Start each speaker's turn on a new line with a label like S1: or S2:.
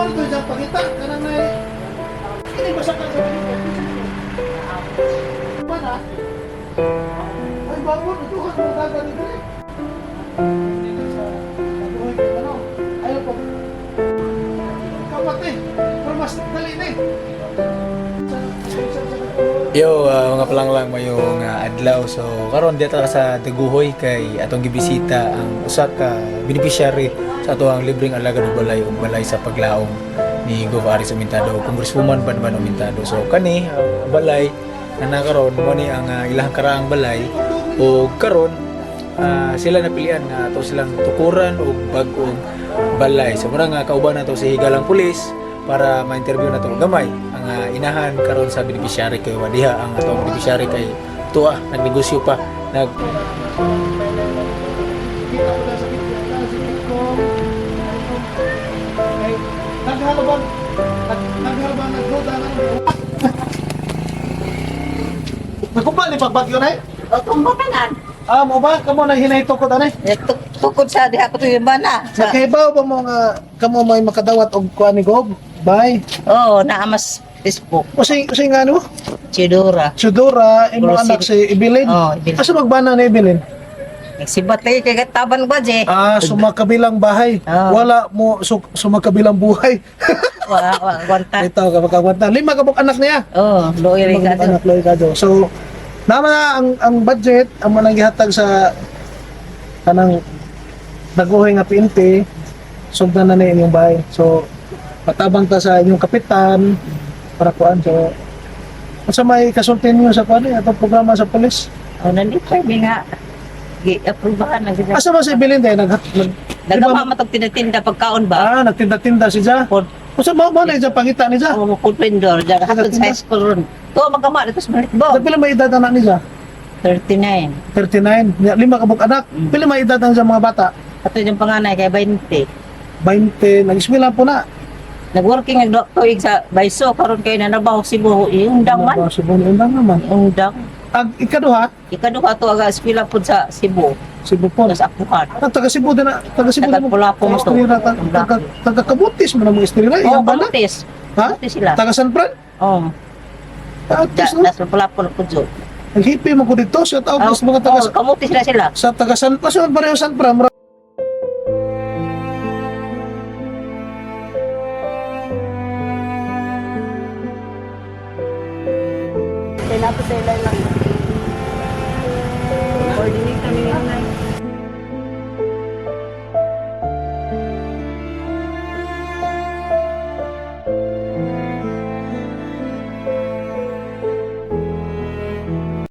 S1: ano to dyan pagita? Kanang na ini basa ka sa dito. Mana? Ay, bangon. Ito ka mo dagat dito eh. Ayaw po. Kapatid, pero mas dali na eh.
S2: Yo, mga palanglang mayong adlaw. So karon dito sa Daguhoy kay atong gibisita ang usa ka beneficiary sa atoang libreng alagad og balay ug balay sa paglaom ni Gov. Aris Humintado, Congresswoman Banban Humintado. So kani balay na nakaron mo ni ang ilang karaang balay ug karon sila napilian na ato silang tukuran og bag-ong balay. So mura nga kauban nato si higalang pulis para ma-interview nato gamay ang inahan karon sa beneficiary kay wadiha ang atong beneficiary kay tuwa nagnegosyo pa nag
S1: Naghalabang nagluda na. Nagkumpal ni pagbagyo na eh.
S3: O, kumbakan.
S1: Mo ba? Kamo na hinay tukod anay?
S3: Tukod sa diha ko tuyo ba na?
S1: Nakahibaw ba mo nga kamo may makadawat og kuan ni Gob? Bye.
S3: Oo, naamas Facebook.
S1: Usay nga ano?
S3: Chidura.
S1: Sudora, imo
S3: Proceed.
S1: anak si Ibilin.
S3: Oo, Ibilin.
S1: Asa magbana ni Ibilin?
S3: Nagsibat lagi kay Taban ba, Je?
S1: Sumakabilang bahay.
S3: Oo.
S1: Wala mo sumakabilang buhay.
S3: Wanta.
S1: Ito ka makagwanta. 5 ka buk anak niya.
S3: Oo, loy rin ka
S1: Anak loy kado. So naman na ang budget ang manang gihatag sa kanang Daguhoy nga PNP sugdan na ni inyong bahay. So patabang ta sa inyong kapitan para kuan. So asa may kasultin niyo sa kuan atong programa sa pulis?
S3: Oh, nandito nga. Gi-approvehan na gid.
S1: Asa ba si Bilin day
S3: Nagama matog tinda pagkaon ba?
S1: nagtinda-tinda si Ja. Usa mo na sa pangita ni Ja.
S3: Oo, mo vendor diya hatod sa high school ron. To magama dito sa Maritbo.
S1: Sa pila may edad anak ni Ja?
S3: 39.
S1: 39. 5 ka buk anak. Pila may edad ang sa mga bata?
S3: Ato yung panganay kay 20.
S1: 20. Nag-eskwela po na.
S3: Nag-working ang tuig sa Baiso karon kay nanabaho Cebu undang man.
S1: Subong undang naman.
S3: Undang.
S1: Ag ikaduha,
S3: Ikaduha to aga eskwela pud sa Cebu.
S1: Cebu po.
S3: Sa Apuhan.
S1: Taga Cebu din na, taga Cebu din mo.
S3: Taga-Pulapo mo to.
S1: Taga Kabutis mo na mga estrela.
S3: Oh,
S1: Iyang bala.
S3: kamutis.
S1: Ha?
S3: Kamutis sila.
S1: Taga San Fran.
S3: Oh.
S1: Taga no?
S3: Nasa Pulapo na pud.
S1: Naghipi mo ko dito. Shout out sa mga taga
S3: Oh, kamutis sila sila.
S1: sa taga San Fran. Saan pareho San Fran?
S3: Kailangan sa ilan lang.